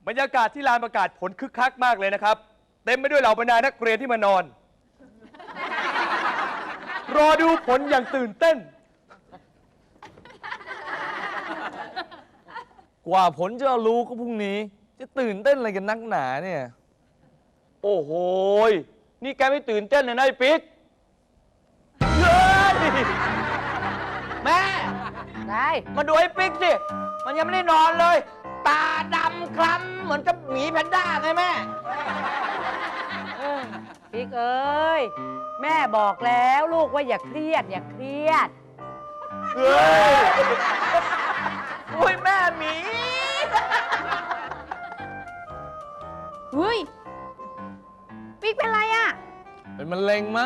บรรยากาศที่ลานประกาศผลคึกคักมากเลยนะครับเต็มไปด้วยเหล่าบรรดานักเรียนที่มานอน รอดูผลอย่างตื่นเต้นกว่าผลจะรู้ก็พรุ่งนี้ จะตื่นเต้นอะไรกันนักหนาเนี่ยโอ้โหนี่แกไม่ตื่นเต้นเลยนะไอ้ปิ๊กเฮ้ยแม่ได้มาดูไอ้ปิ๊กสิ มันยังไม่ได้นอนเลย ตาดำคล้ำเหมือนกับหมีแพนด้าไงแม่ปิ๊กเอ้ย แม่บอกแล้วลูกว่าอย่าเครียด อย่าเครียดเฮ้ยอุ้ยแม่หมีเฮ้ย ปิ๊กเป็นไรอ่ะเป็นมะเร็งมั้ง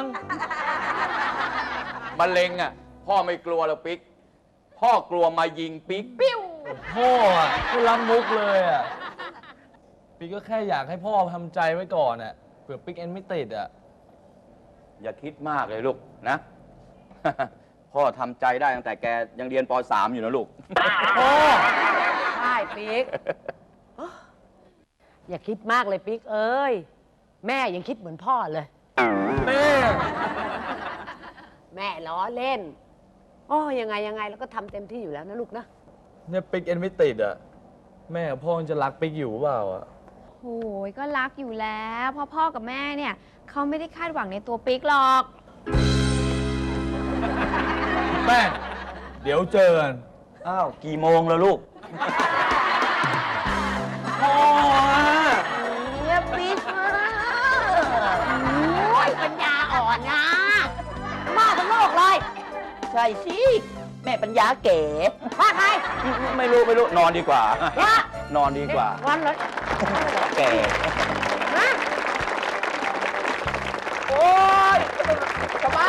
มะเร็งอ่ะพ่อไม่กลัวหรอกปิ๊กพ่อกลัวมายิงปิ๊กปิ้วพ่ออ่ะก็รับมุกเลยอ่ะปิ๊กก็แค่อยากให้พ่อทำใจไว้ก่อนอ่ะเผื่อปิ๊กเอ็นไม่ติดอ่ะอย่าคิดมากเลยลูกนะ พ่อทำใจได้ตั้งแต่แกยังเรียนป .3 อยู่นะลูกพ่อใช่ปิ๊ก อย่าคิดมากเลยปิ๊กเอ้ย แม่ยังคิดเหมือนพ่อเลยแม่แม่ล้อเล่นอ๋อยังไงแล้วก็ทำเต็มที่อยู่แล้วนะลูกนะเนี่ยปิ๊กเอ็นไม่ติดอ่ะแม่กับพ่อยังจะรักปิ๊กอยู่เปล่าอ่ะโอ้ยก็รักอยู่แล้วเพราะพ่อกับแม่เนี่ยเขาไม่ได้คาดหวังในตัวปิ๊กหรอกแม่ เดี๋ยวเจอกันอ้าว กี่โมงแล้วลูกพ่ออ่ะเนี่ยปิ๊กโอ้ยปัญญาอ่อนนะมาทั้งโลกเลยใช่สิ แม่ปัญญาเก๋ว่าใครไม่รู้ นอนดีกว่าว่านอนดีกว่าวันเลยแกนะโอ้ยสบา